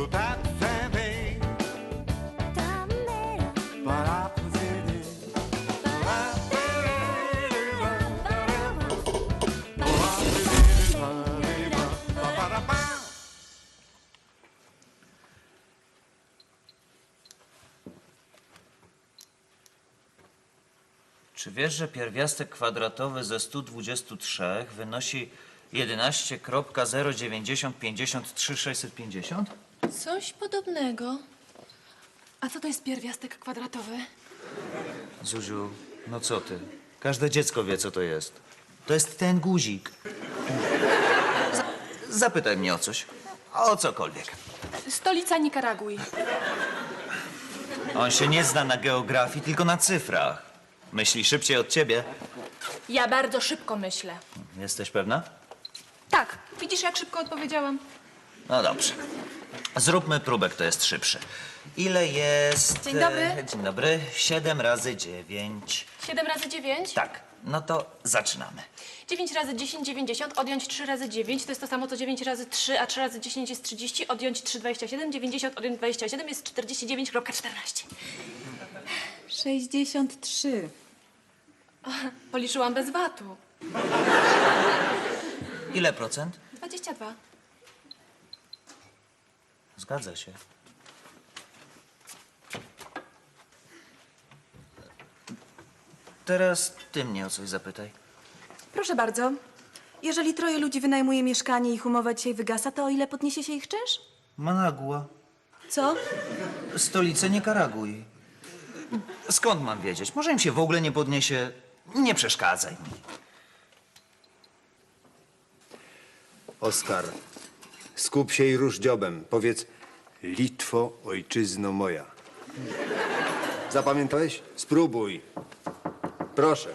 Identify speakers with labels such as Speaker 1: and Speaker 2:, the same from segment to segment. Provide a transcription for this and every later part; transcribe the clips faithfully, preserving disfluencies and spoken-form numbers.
Speaker 1: pas de fin B. Voilà, posez-les.
Speaker 2: Czy wiesz, że pierwiastek kwadratowy ze stu dwudziestu trzech wynosi jedenaście kropka zero dziewięćdziesiąt pięćdziesiąt trzy sześćset pięćdziesiąt?
Speaker 3: Coś podobnego. A co to jest pierwiastek kwadratowy?
Speaker 2: Zuziu, no co ty? Każde dziecko wie, co to jest. To jest ten guzik. Z zapytaj mnie o coś. O cokolwiek.
Speaker 3: Stolica Nikaragui.
Speaker 2: On się nie zna na geografii, tylko na cyfrach. Myśli szybciej od ciebie.
Speaker 3: Ja bardzo szybko myślę.
Speaker 2: Jesteś pewna?
Speaker 3: Tak, widzisz, jak szybko odpowiedziałam?
Speaker 2: No dobrze. Zróbmy próbę, kto jest szybszy. Ile jest...
Speaker 3: Dzień dobry.
Speaker 2: e, Dzień dobry. Siedem razy dziewięć.
Speaker 3: siedem razy dziewięć?
Speaker 2: Tak, no to zaczynamy.
Speaker 3: dziewięć razy dziesięć, dziewięćdziesiąt, odjąć trzy razy dziewięć, to jest to samo co dziewięć razy trzy, a trzy razy dziesięć jest trzydzieści, odjąć trzy, dwadzieścia siedem, dziewięćdziesiąt, odjąć dwadzieścia siedem jest czterdzieści dziewięć kropka czternaście.
Speaker 4: sześćdziesiąt trzy.
Speaker 3: Policzyłam bez watu.
Speaker 2: Ile procent?
Speaker 3: dwadzieścia dwa.
Speaker 2: Zgadza się. Teraz ty mnie o coś zapytaj.
Speaker 4: Proszę bardzo. Jeżeli troje ludzi wynajmuje mieszkanie i ich umowa dzisiaj wygasa, to o ile podniesie się ich czynsz?
Speaker 2: Managua.
Speaker 4: Co?
Speaker 2: Stolicę Nikaragui. Skąd mam wiedzieć? Może im się w ogóle nie podniesie. Nie przeszkadzaj mi.
Speaker 5: Oskar, skup się i rusz dziobem. Powiedz, Litwo, ojczyzno moja. Zapamiętałeś? Spróbuj. Proszę.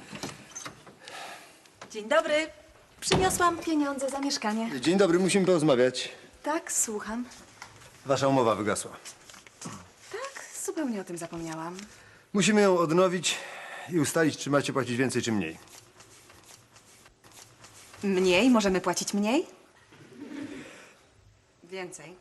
Speaker 4: Dzień dobry. Przyniosłam pieniądze za mieszkanie.
Speaker 5: Dzień dobry, musimy porozmawiać.
Speaker 4: Tak, słucham.
Speaker 5: Wasza umowa wygasła.
Speaker 4: Tak, zupełnie o tym zapomniałam.
Speaker 5: Musimy ją odnowić i ustalić, czy macie płacić więcej, czy mniej.
Speaker 4: Mniej? Możemy płacić mniej? Więcej.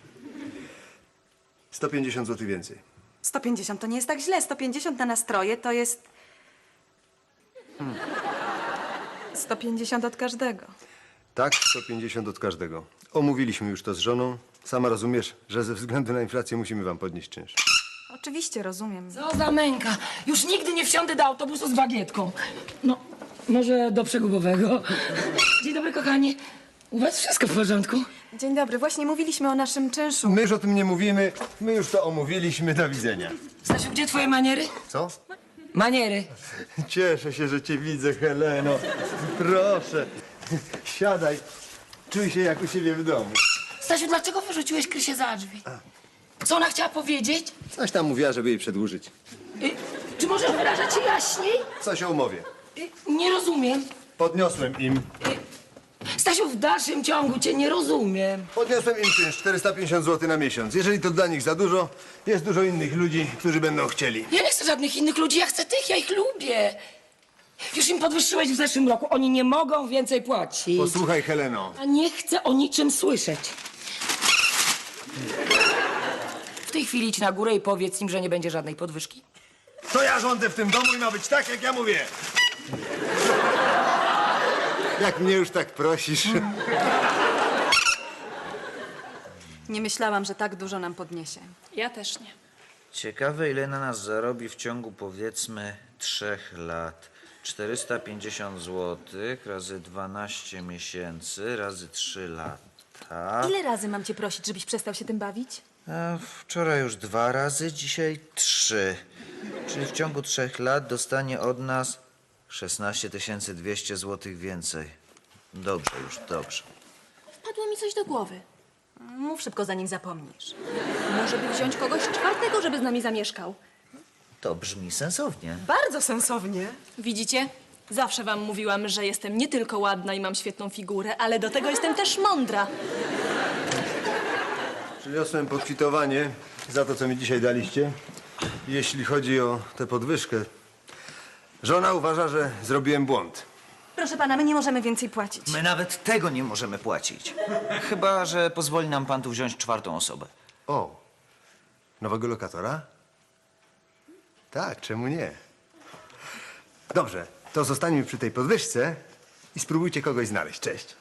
Speaker 5: sto pięćdziesiąt złotych więcej.
Speaker 4: sto pięćdziesiąt to nie jest tak źle. sto pięćdziesiąt na nastroje to jest... Hmm. sto pięćdziesiąt od każdego.
Speaker 5: Tak, sto pięćdziesiąt od każdego. Omówiliśmy już to z żoną. Sama rozumiesz, że ze względu na inflację musimy wam podnieść czynsz.
Speaker 4: Oczywiście, rozumiem.
Speaker 6: Co za męka. Już nigdy nie wsiądę do autobusu z bagietką. No, może do przegubowego. Dzień dobry, kochanie. U was wszystko w porządku?
Speaker 4: Dzień dobry. Właśnie mówiliśmy o naszym czynszu.
Speaker 5: My już o tym nie mówimy. My już to omówiliśmy. Do widzenia.
Speaker 6: Stasiu, gdzie twoje maniery?
Speaker 5: Co?
Speaker 6: Maniery.
Speaker 5: Cieszę się, że cię widzę, Heleno. Proszę, siadaj. Czuj się jak u siebie w domu.
Speaker 6: Stasiu, dlaczego wyrzuciłeś Krysię za drzwi? Co ona chciała powiedzieć?
Speaker 5: Coś tam mówiła, żeby jej przedłużyć.
Speaker 6: Y, czy możesz wyrażać się jaśniej?
Speaker 5: Coś o umowie.
Speaker 6: Y, nie rozumiem.
Speaker 5: Podniosłem im.
Speaker 6: Stasiu, w dalszym ciągu cię nie rozumiem.
Speaker 5: Podniosłem im czynsz czterysta pięćdziesiąt złotych na miesiąc. Jeżeli to dla nich za dużo, jest dużo innych ludzi, którzy będą chcieli.
Speaker 6: Ja nie chcę żadnych innych ludzi, ja chcę tych, ja ich lubię. Już im podwyższyłeś w zeszłym roku. Oni nie mogą więcej płacić.
Speaker 5: Posłuchaj, Heleno.
Speaker 6: Ja nie chcę o niczym słyszeć. W tej chwili idź na górę i powiedz im, że nie będzie żadnej podwyżki.
Speaker 5: To ja rządzę w tym domu i ma być tak, jak ja mówię. Jak mnie już tak prosisz.
Speaker 4: Nie myślałam, że tak dużo nam podniesie.
Speaker 3: Ja też nie.
Speaker 2: Ciekawe, ile na nas zarobi w ciągu, powiedzmy, trzech lat. czterysta pięćdziesiąt złotych razy dwanaście miesięcy razy trzy lata.
Speaker 4: Ile razy mam cię prosić, żebyś przestał się tym bawić?
Speaker 2: A wczoraj już dwa razy, dzisiaj trzy. Czyli w ciągu trzech lat dostanie od nas szesnaście tysięcy dwieście złotych więcej. Dobrze już, dobrze.
Speaker 3: Wpadło mi coś do głowy.
Speaker 4: Mów szybko, zanim zapomnisz.
Speaker 3: Może by wziąć kogoś czwartego, żeby z nami zamieszkał.
Speaker 2: To brzmi sensownie.
Speaker 4: Bardzo sensownie.
Speaker 3: Widzicie? Zawsze wam mówiłam, że jestem nie tylko ładna i mam świetną figurę, ale do tego jestem też mądra.
Speaker 5: Przyniosłem pokwitowanie za to, co mi dzisiaj daliście. Jeśli chodzi o tę podwyżkę, żona uważa, że zrobiłem błąd.
Speaker 4: Proszę pana, my nie możemy więcej płacić.
Speaker 2: My nawet tego nie możemy płacić. Chyba że pozwoli nam pan tu wziąć czwartą osobę.
Speaker 5: O, nowego lokatora? Tak, czemu nie? Dobrze, to zostańmy przy tej podwyżce i spróbujcie kogoś znaleźć. Cześć.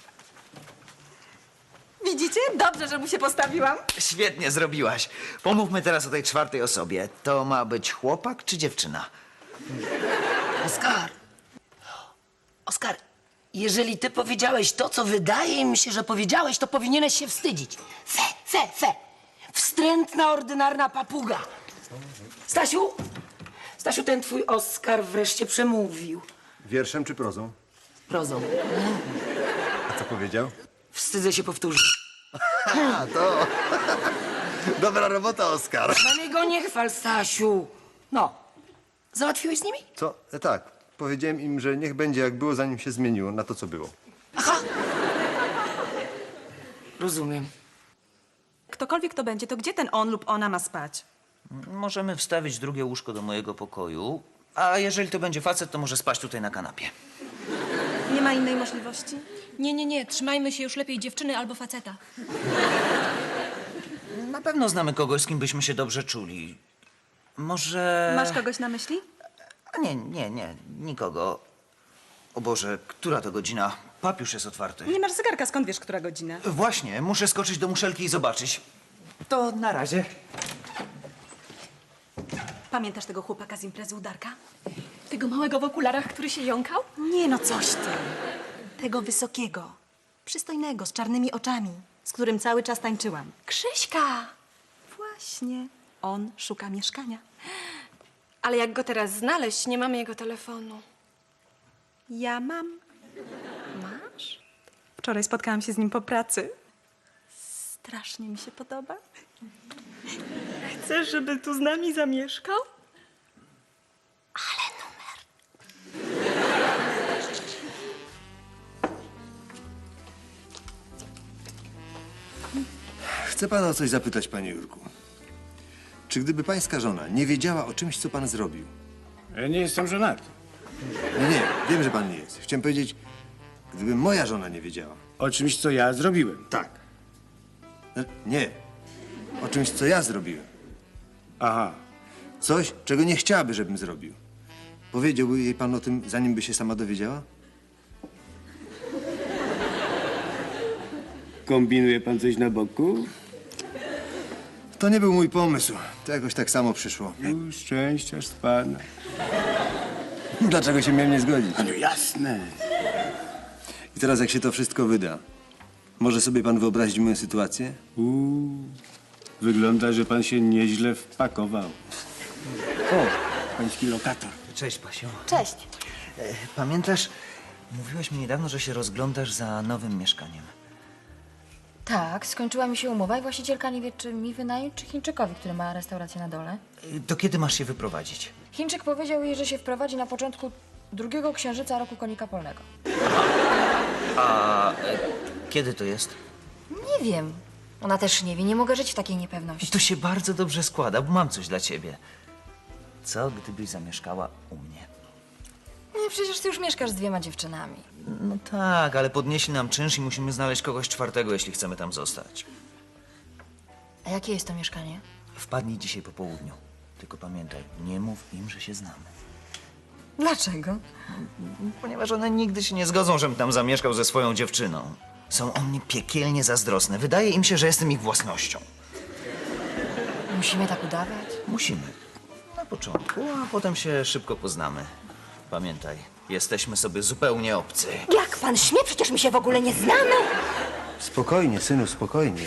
Speaker 4: Widzicie? Dobrze, że mu się postawiłam.
Speaker 2: Świetnie zrobiłaś. Pomówmy teraz o tej czwartej osobie. To ma być chłopak czy dziewczyna?
Speaker 6: Oskar! Oskar, jeżeli ty powiedziałeś to, co wydaje mi się, że powiedziałeś, to powinieneś się wstydzić. Fe, fe, fe! Wstrętna, ordynarna papuga! Stasiu! Stasiu, ten twój Oskar wreszcie przemówił.
Speaker 5: Wierszem czy prozą?
Speaker 6: Prozą.
Speaker 5: A co powiedział?
Speaker 6: Wstydzę się powtórzyć.
Speaker 5: A, to... Dobra robota, Oskar.
Speaker 6: Na mnie go nie chwal, Stasiu. No. Załatwiłeś z nimi?
Speaker 5: Co? E, tak. Powiedziałem im, że niech będzie jak było, zanim się zmieniło na to, co było.
Speaker 6: Aha! Rozumiem.
Speaker 4: Ktokolwiek to będzie, to gdzie ten on lub ona ma spać?
Speaker 2: Możemy wstawić drugie łóżko do mojego pokoju, a jeżeli to będzie facet, to może spać tutaj na kanapie.
Speaker 4: Nie ma innej możliwości?
Speaker 3: Nie, nie, nie. Trzymajmy się już lepiej dziewczyny albo faceta.
Speaker 2: Na pewno znamy kogoś, z kim byśmy się dobrze czuli. Może...
Speaker 4: Masz kogoś na myśli?
Speaker 2: A nie, nie, nie, nikogo. O Boże, która to godzina? Pub już jest otwarty.
Speaker 4: Nie masz zegarka, skąd wiesz, która godzina?
Speaker 2: Właśnie, muszę skoczyć do muszelki i zobaczyć. To na razie.
Speaker 4: Pamiętasz tego chłopaka z imprezy u Darka?
Speaker 3: Tego małego w okularach, który się jąkał?
Speaker 4: Nie no, coś ty. Tego wysokiego, przystojnego, z czarnymi oczami, z którym cały czas tańczyłam.
Speaker 3: Krzyśka!
Speaker 4: Właśnie. On szuka mieszkania.
Speaker 3: Ale jak go teraz znaleźć, nie mamy jego telefonu.
Speaker 4: Ja mam. Masz? Wczoraj spotkałam się z nim po pracy. Strasznie mi się podoba. Chcesz, żeby tu z nami zamieszkał? Ale numer.
Speaker 5: Chcę pana o coś zapytać, panie Jurku. Czy gdyby pańska żona nie wiedziała o czymś, co pan zrobił?
Speaker 7: Ja nie jestem żonaty.
Speaker 5: Nie, nie, wiem, że pan nie jest. Chciałem powiedzieć, gdyby moja żona nie wiedziała.
Speaker 7: O czymś, co ja zrobiłem.
Speaker 5: Tak. E, Nie. O czymś, co ja zrobiłem.
Speaker 7: Aha.
Speaker 5: Coś, czego nie chciałaby, żebym zrobił. Powiedziałby jej pan o tym, zanim by się sama dowiedziała?
Speaker 7: Kombinuje pan coś na boku?
Speaker 5: To nie był mój pomysł. To jakoś tak samo przyszło.
Speaker 7: U, szczęściarz z pana.
Speaker 5: Dlaczego się miałem nie zgodzić?
Speaker 7: No jasne.
Speaker 5: I teraz, jak się to wszystko wyda, może sobie pan wyobrazić moją sytuację?
Speaker 7: U, wygląda, że pan się nieźle wpakował. O, pański lokator.
Speaker 2: Cześć, Pasiu.
Speaker 4: Cześć.
Speaker 2: E, Pamiętasz, mówiłaś mi niedawno, że się rozglądasz za nowym mieszkaniem.
Speaker 8: Tak, skończyła mi się umowa i właścicielka nie wie, czy mi wynająć, czy Chińczykowi, który ma restaurację na dole.
Speaker 2: E, To kiedy masz się wyprowadzić?
Speaker 8: Chińczyk powiedział jej, że się wprowadzi na początku drugiego księżyca roku konika polnego.
Speaker 2: A e, kiedy to jest?
Speaker 8: Nie wiem. Ona też nie wie, nie mogę żyć w takiej niepewności.
Speaker 2: To się bardzo dobrze składa, bo mam coś dla ciebie. Co gdybyś zamieszkała u mnie?
Speaker 8: Nie, przecież ty już mieszkasz z dwiema dziewczynami.
Speaker 2: No tak, ale podnieśli nam czynsz i musimy znaleźć kogoś czwartego, jeśli chcemy tam zostać.
Speaker 8: A jakie jest to mieszkanie?
Speaker 2: Wpadnij dzisiaj po południu. Tylko pamiętaj, nie mów im, że się znamy.
Speaker 8: Dlaczego?
Speaker 2: Ponieważ one nigdy się nie zgodzą, żebym tam zamieszkał ze swoją dziewczyną. Są o mnie piekielnie zazdrosne. Wydaje im się, że jestem ich własnością.
Speaker 8: Musimy tak udawać?
Speaker 2: Musimy. Na początku, a potem się szybko poznamy. Pamiętaj, jesteśmy sobie zupełnie obcy.
Speaker 8: Jak pan śmie? Przecież my się w ogóle nie znamy.
Speaker 5: Spokojnie, synu, spokojnie.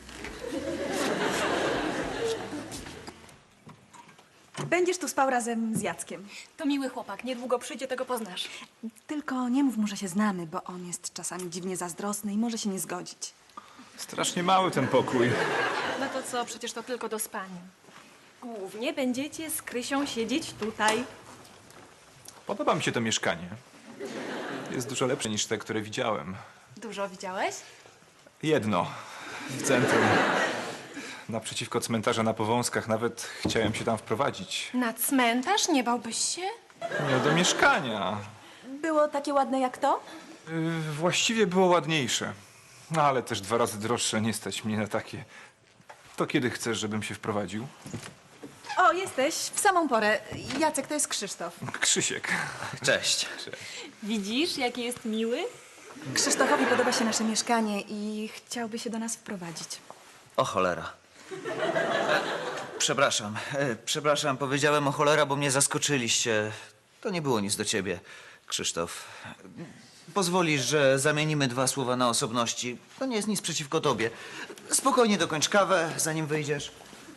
Speaker 4: Będziesz tu spał razem z Jackiem.
Speaker 3: To miły chłopak. Niedługo przyjdzie, tego poznasz.
Speaker 4: Tylko nie mów mu, że się znamy, bo on jest czasami dziwnie zazdrosny i może się nie zgodzić.
Speaker 9: Strasznie mały ten pokój.
Speaker 3: No to co? Przecież to tylko do spania. Głównie będziecie z Krysią siedzieć tutaj.
Speaker 9: Podoba mi się to mieszkanie. Jest dużo lepsze niż te, które widziałem.
Speaker 3: Dużo widziałeś?
Speaker 9: Jedno. W centrum. Naprzeciwko cmentarza na Powązkach. Nawet chciałem się tam wprowadzić.
Speaker 3: Na cmentarz? Nie bałbyś się?
Speaker 9: Nie do mieszkania.
Speaker 4: było takie ładne jak to?
Speaker 9: Yy, właściwie było ładniejsze. No ale też dwa razy droższe, nie stać mnie na takie. To kiedy chcesz, żebym się wprowadził?
Speaker 4: O, jesteś w samą porę. Jacek, to jest Krzysztof.
Speaker 9: Krzysiek.
Speaker 2: Cześć.
Speaker 3: Widzisz, jaki jest miły?
Speaker 4: Krzysztofowi podoba się nasze mieszkanie i chciałby się do nas wprowadzić.
Speaker 2: O cholera. E, przepraszam, e, przepraszam, powiedziałem o cholera, bo mnie zaskoczyliście. To nie było nic do ciebie, Krzysztof. Pozwolisz, że zamienimy dwa słowa na osobności. To nie jest nic przeciwko tobie. Spokojnie dokończ kawę, zanim wyjdziesz.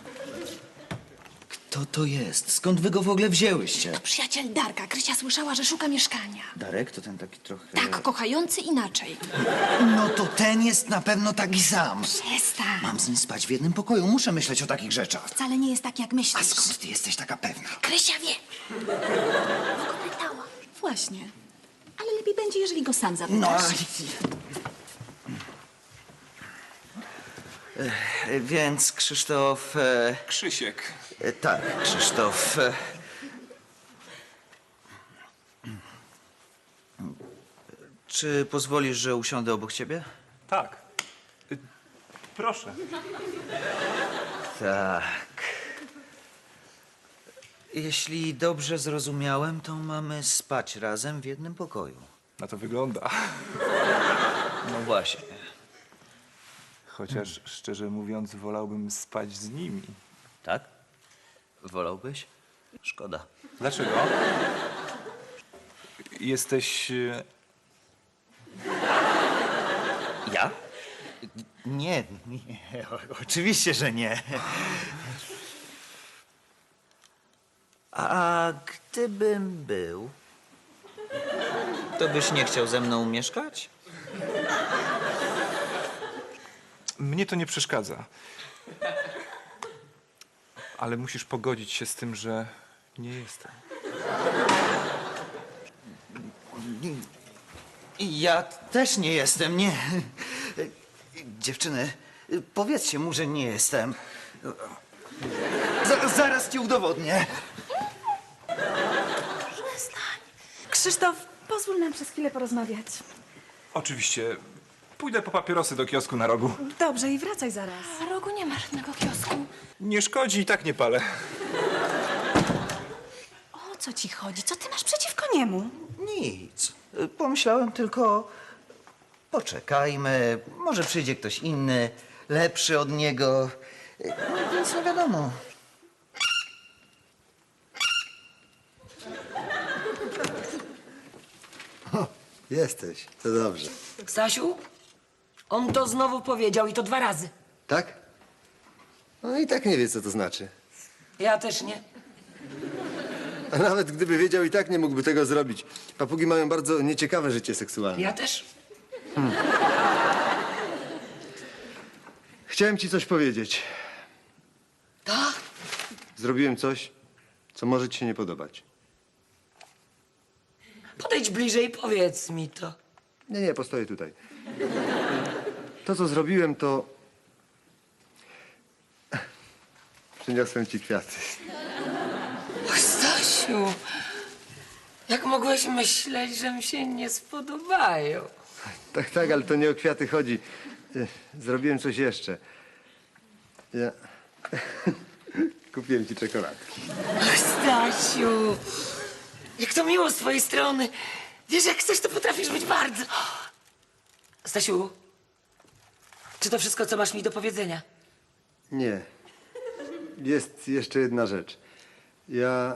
Speaker 2: Kto to jest? Skąd wy go w ogóle wzięłyście?
Speaker 3: Przyjaciel Darka. Krysia słyszała, że szuka mieszkania.
Speaker 2: Darek to ten taki trochę...
Speaker 3: Tak, kochający inaczej.
Speaker 2: No to ten jest na pewno taki sam.
Speaker 3: Przestań.
Speaker 2: Mam z nim spać w jednym pokoju, muszę myśleć o takich rzeczach.
Speaker 3: Wcale nie jest tak, jak
Speaker 2: A
Speaker 3: myślisz.
Speaker 2: skąd ty jesteś taka pewna?
Speaker 3: Krysia wie. Pytała.
Speaker 10: Właśnie. Ale lepiej będzie, jeżeli go sam zapytasz.
Speaker 2: No, ale... E, Więc Krzysztof... E,
Speaker 9: Krzysiek.
Speaker 2: e, tak, Krzysztof... E, czy pozwolisz, że usiądę obok ciebie?
Speaker 9: Tak. Y, proszę.
Speaker 2: Tak. Jeśli dobrze zrozumiałem, to mamy spać razem w jednym pokoju.
Speaker 9: Na to wygląda.
Speaker 2: No właśnie.
Speaker 9: Chociaż szczerze mówiąc, wolałbym spać z nimi.
Speaker 2: Tak? Wolałbyś? Szkoda.
Speaker 9: Dlaczego? Jesteś... e,
Speaker 2: Ja? Nie, nie, o, oczywiście, że nie. A gdybym był, to byś nie chciał ze mną mieszkać?
Speaker 9: Mnie to nie przeszkadza. Ale musisz pogodzić się z tym, że nie jestem.
Speaker 2: Ja też nie jestem, nie. Dziewczyny, powiedzcie mu, że nie jestem. Z- zaraz ci udowodnię.
Speaker 4: Krzysztof, pozwól nam przez chwilę porozmawiać.
Speaker 9: Oczywiście. Pójdę po papierosy do kiosku na rogu.
Speaker 4: Dobrze, i wracaj zaraz.
Speaker 3: Na rogu nie ma żadnego kiosku.
Speaker 9: Nie szkodzi, i tak nie palę.
Speaker 10: O co ci chodzi? Co ty masz
Speaker 4: Przeciwko niemu.
Speaker 2: Nic. Pomyślałem tylko, poczekajmy, może przyjdzie ktoś inny, lepszy od niego. No, nic nie wiadomo.
Speaker 5: Jesteś, to dobrze.
Speaker 6: Stasiu, on to znowu powiedział i to dwa razy.
Speaker 5: Tak? No i tak nie wie, co to znaczy.
Speaker 6: Ja też nie.
Speaker 5: A nawet gdyby wiedział, i tak nie mógłby tego zrobić. Papugi mają bardzo nieciekawe życie seksualne.
Speaker 6: Ja też.
Speaker 5: Chciałem ci coś powiedzieć.
Speaker 6: Tak?
Speaker 5: Zrobiłem coś, co może ci się nie podobać.
Speaker 6: Podejdź bliżej i powiedz mi to.
Speaker 5: Nie, nie, postoję tutaj. To, co zrobiłem, to... Przyniosłem ci kwiaty.
Speaker 6: Och, Stasiu, jak mogłeś myśleć, że mi się nie spodobają?
Speaker 5: Tak, tak, ale to nie o kwiaty chodzi. E, Zrobiłem coś jeszcze. Ja... Kupiłem ci czekoladki.
Speaker 6: Och, Stasiu, jak to miło z twojej strony. Wiesz, jak chcesz, to potrafisz być bardzo... Stasiu, czy to wszystko, co masz mi do powiedzenia?
Speaker 5: Nie. Jest jeszcze jedna rzecz. Ja...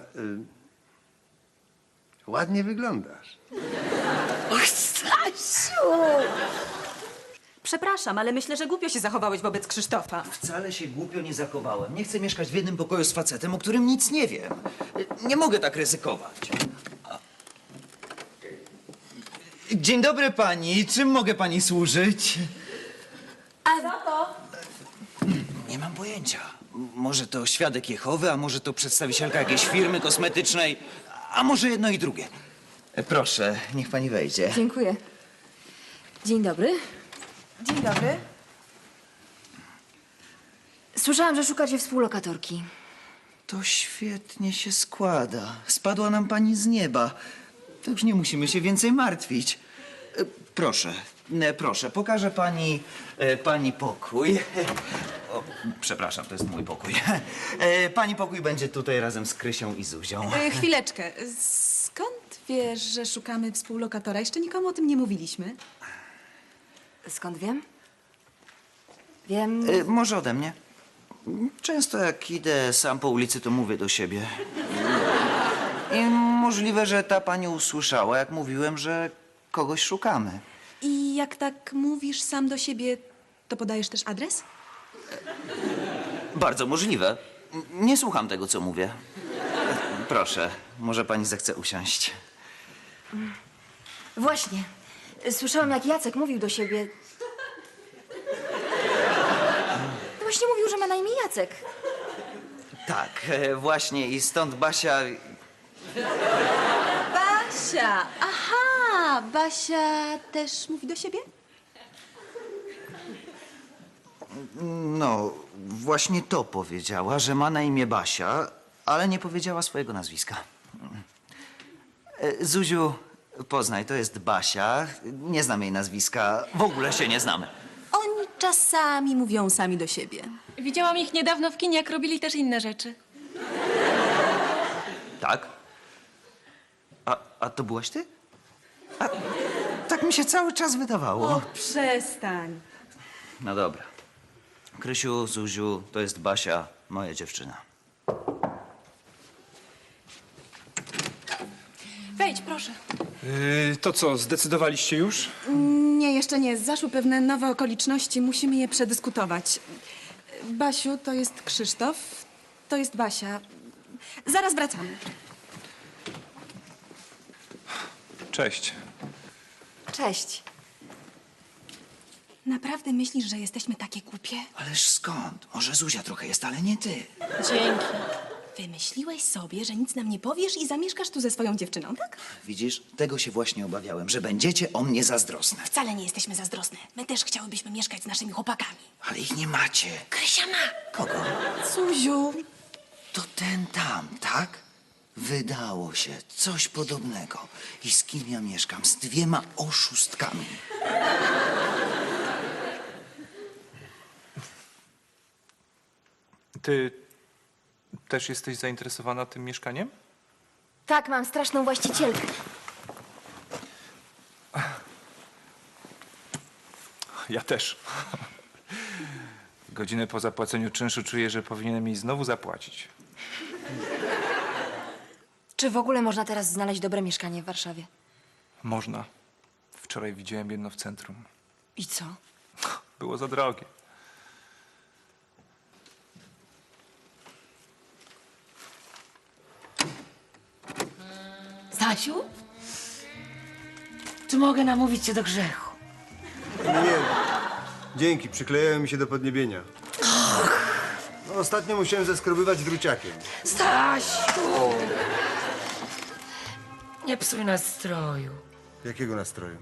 Speaker 5: Y... Ładnie wyglądasz.
Speaker 6: Och, Stasiu!
Speaker 4: Przepraszam, ale myślę, że głupio się zachowałeś wobec Krzysztofa.
Speaker 2: Wcale się głupio nie zachowałem. Nie chcę mieszkać w jednym pokoju z facetem, o którym nic nie wiem. Nie mogę tak ryzykować. Dzień dobry pani. Czym mogę pani służyć?
Speaker 4: A za to?
Speaker 2: Nie mam pojęcia. M- Może to świadek Jehowy, a może to przedstawicielka jakiejś firmy kosmetycznej, a może jedno i drugie. E, Proszę, niech pani wejdzie.
Speaker 8: Dziękuję. Dzień dobry.
Speaker 4: Dzień dobry.
Speaker 8: Słyszałam, że szukacie współlokatorki.
Speaker 2: To świetnie się składa. Spadła nam pani z nieba. to już nie musimy się więcej martwić. E, Proszę, e, proszę, pokażę pani, e, pani pokój. O, przepraszam, to jest mój pokój. E, Pani pokój będzie tutaj razem z Krysią i Zuzią.
Speaker 4: E, chwileczkę. Skąd wiesz, że szukamy współlokatora? Jeszcze nikomu o tym nie mówiliśmy.
Speaker 8: Skąd wiem? Wiem...
Speaker 2: E, Może ode mnie. Często jak idę sam po ulicy, to mówię do siebie. I możliwe, że ta pani usłyszała, jak mówiłem, że kogoś szukamy.
Speaker 4: I jak tak mówisz sam do siebie, to podajesz też adres?
Speaker 2: Bardzo możliwe. Nie słucham tego, co mówię. Proszę, może pani zechce usiąść.
Speaker 8: Właśnie. Słyszałam, jak Jacek mówił do siebie. No właśnie mówił, że ma na imię Jacek.
Speaker 2: Tak, e, właśnie i stąd Basia...
Speaker 4: Basia! Aha! Basia też mówi do siebie?
Speaker 2: No, właśnie to powiedziała, że ma na imię Basia, ale nie powiedziała swojego nazwiska. E, Zuziu, poznaj, to jest Basia. Nie znam jej nazwiska. W ogóle się nie znamy.
Speaker 4: Oni czasami mówią sami do siebie.
Speaker 3: Widziałam ich niedawno w kinie, jak robili też inne rzeczy.
Speaker 2: Tak? A, a to byłaś ty? A, tak mi się cały czas wydawało.
Speaker 4: O, przestań.
Speaker 2: No dobra. Krysiu, Zuziu, to jest Basia, moja dziewczyna.
Speaker 3: Wejdź, proszę.
Speaker 9: Yy, to co, zdecydowaliście już?
Speaker 4: Nie, jeszcze nie. Zaszły pewne nowe okoliczności. Musimy je przedyskutować. Basiu, to jest Krzysztof. To jest Basia. Zaraz wracamy.
Speaker 9: Cześć.
Speaker 8: Cześć.
Speaker 4: Naprawdę myślisz, że jesteśmy takie głupie?
Speaker 2: Ależ skąd? Może Zuzia trochę jest, ale nie ty.
Speaker 3: Dzięki.
Speaker 4: Wymyśliłeś sobie, że nic nam nie powiesz i zamieszkasz tu ze swoją dziewczyną, tak?
Speaker 2: Widzisz, tego się właśnie obawiałem, że będziecie o mnie zazdrosne.
Speaker 4: Wcale nie jesteśmy zazdrosne. My też chciałybyśmy mieszkać z naszymi chłopakami.
Speaker 2: Ale ich nie macie.
Speaker 4: Krysia ma.
Speaker 2: Kogo?
Speaker 4: Zuziu.
Speaker 2: To ten tam, tak? Wydało się coś podobnego. I z kim ja mieszkam? Z dwiema oszustkami.
Speaker 9: Ty też jesteś zainteresowana tym mieszkaniem?
Speaker 8: Tak, mam straszną właścicielkę.
Speaker 9: Ja też. Godzinę po zapłaceniu czynszu czuję, że powinienem jej znowu zapłacić.
Speaker 8: Czy w ogóle można teraz znaleźć dobre mieszkanie w Warszawie?
Speaker 9: Można. Wczoraj widziałem jedno w centrum.
Speaker 8: I co?
Speaker 9: Było za drogie.
Speaker 6: Stasiu? Czy mogę namówić cię do grzechu?
Speaker 5: Nie. Dzięki, przyklejają mi się do podniebienia. No, ostatnio musiałem zeskrobywać druciakiem.
Speaker 6: Stasiu! Nie psuj nastroju.
Speaker 5: Jakiego nastroju?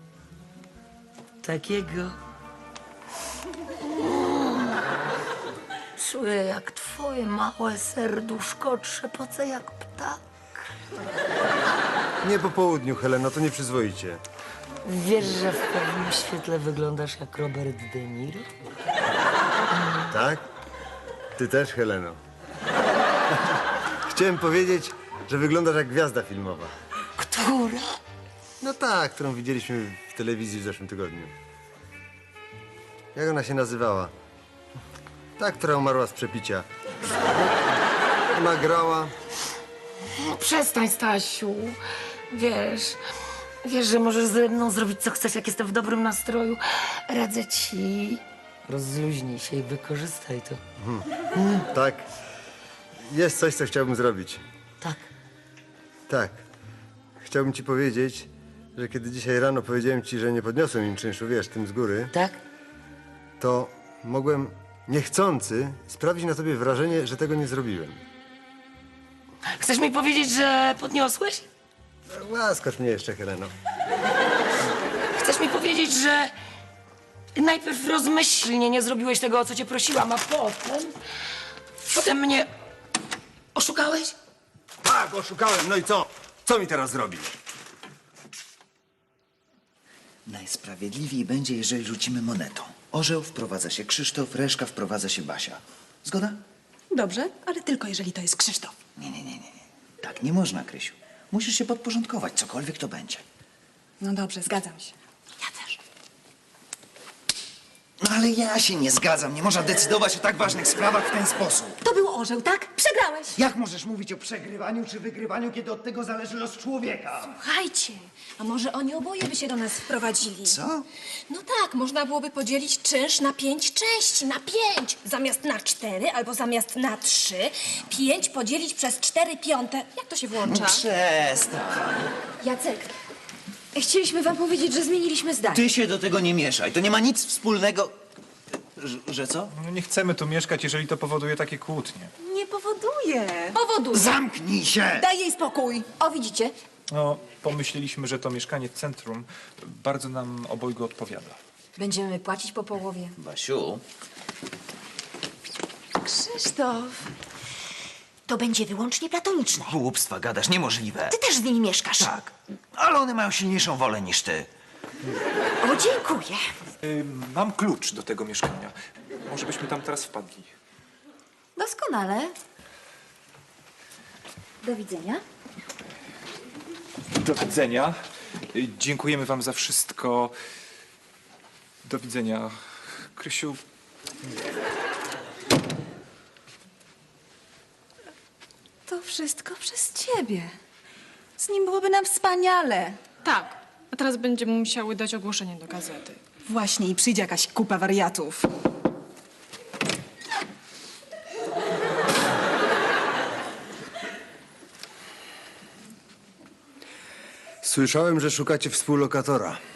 Speaker 6: Takiego. Czuję, jak twoje małe serduszko trzepoce jak ptak.
Speaker 5: Nie po południu, Heleno, to nieprzyzwoicie.
Speaker 6: Wiesz, że w pewnym świetle wyglądasz jak Robert De Niro?
Speaker 5: Tak? Ty też, Heleno. Chciałem powiedzieć, że wyglądasz jak gwiazda filmowa.
Speaker 6: Która?
Speaker 5: No tak, którą widzieliśmy w telewizji w zeszłym tygodniu. Jak ona się nazywała? Ta, która umarła z przepicia. Ona grała...
Speaker 6: No przestań, Stasiu. Wiesz, wiesz, że możesz ze mną zrobić, co chcesz, jak jestem w dobrym nastroju. Radzę ci. Rozluźnij się i wykorzystaj to.
Speaker 5: Tak. Jest coś, co chciałbym zrobić.
Speaker 6: Tak.
Speaker 5: Tak. Chciałbym ci powiedzieć, że kiedy dzisiaj rano powiedziałem ci, że nie podniosłem im czynszu, wiesz, tym z góry,
Speaker 6: Tak?
Speaker 5: to mogłem niechcący sprawić na tobie wrażenie, że tego nie zrobiłem.
Speaker 6: Chcesz mi powiedzieć, że podniosłeś?
Speaker 5: Łaskocz mnie jeszcze, Heleno.
Speaker 6: Chcesz mi powiedzieć, że najpierw rozmyślnie nie zrobiłeś tego, o co cię prosiłam, a potem... Potem mnie oszukałeś?
Speaker 5: Tak, oszukałem. No i co? Co mi teraz zrobisz?
Speaker 2: Najsprawiedliwiej będzie, jeżeli rzucimy monetą. Orzeł wprowadza się Krzysztof, reszka wprowadza się Basia. Zgoda?
Speaker 4: Dobrze.
Speaker 10: Ale tylko jeżeli to jest Krzysztof.
Speaker 2: Nie, nie, nie, nie. nie. Tak nie można, Krysiu. Musisz się podporządkować, cokolwiek to będzie.
Speaker 4: No dobrze, zgadzam się.
Speaker 10: Ja też.
Speaker 2: No ale ja się nie zgadzam. Nie można decydować o tak ważnych sprawach w ten sposób.
Speaker 10: To był orzeł, tak? Przegrałeś.
Speaker 2: Jak możesz mówić o przegrywaniu czy wygrywaniu, kiedy od tego zależy los człowieka?
Speaker 3: Słuchajcie, a może oni oboje by się do nas wprowadzili?
Speaker 2: Co?
Speaker 3: No tak, można byłoby podzielić czynsz na pięć części, na pięć. Zamiast na cztery albo zamiast na trzy. Pięć podzielić przez cztery piąte. Jak to się włącza?
Speaker 2: Przestań.
Speaker 8: Jacek, chcieliśmy wam powiedzieć, że zmieniliśmy zdanie.
Speaker 2: Ty się do tego nie mieszaj. To nie ma nic wspólnego... Że, że co?
Speaker 9: No nie chcemy tu mieszkać, jeżeli to powoduje takie kłótnie.
Speaker 10: Nie powoduje.
Speaker 3: Powoduje.
Speaker 2: Zamknij się!
Speaker 10: Daj jej spokój.
Speaker 8: O, widzicie?
Speaker 9: No, pomyśleliśmy, że to mieszkanie w centrum bardzo nam obojgu odpowiada.
Speaker 8: Będziemy płacić po połowie.
Speaker 2: Basiu,
Speaker 10: Krzysztof.
Speaker 6: To będzie wyłącznie platoniczne.
Speaker 2: głupstwa gadasz, niemożliwe.
Speaker 6: Ty też z nimi mieszkasz.
Speaker 2: Tak, ale one mają silniejszą wolę niż ty.
Speaker 6: O, dziękuję.
Speaker 9: Y, mam klucz do tego mieszkania. Może byśmy tam teraz wpadli.
Speaker 8: Doskonale. Do widzenia.
Speaker 9: Do widzenia. Y, Dziękujemy wam za wszystko. Do widzenia. Krysiu,
Speaker 4: To wszystko przez ciebie. Z nim byłoby nam wspaniale.
Speaker 3: Tak, a teraz będziemy musiały dać ogłoszenie do gazety.
Speaker 10: Właśnie i przyjdzie jakaś kupa wariatów.
Speaker 5: Słyszałem, że szukacie współlokatora.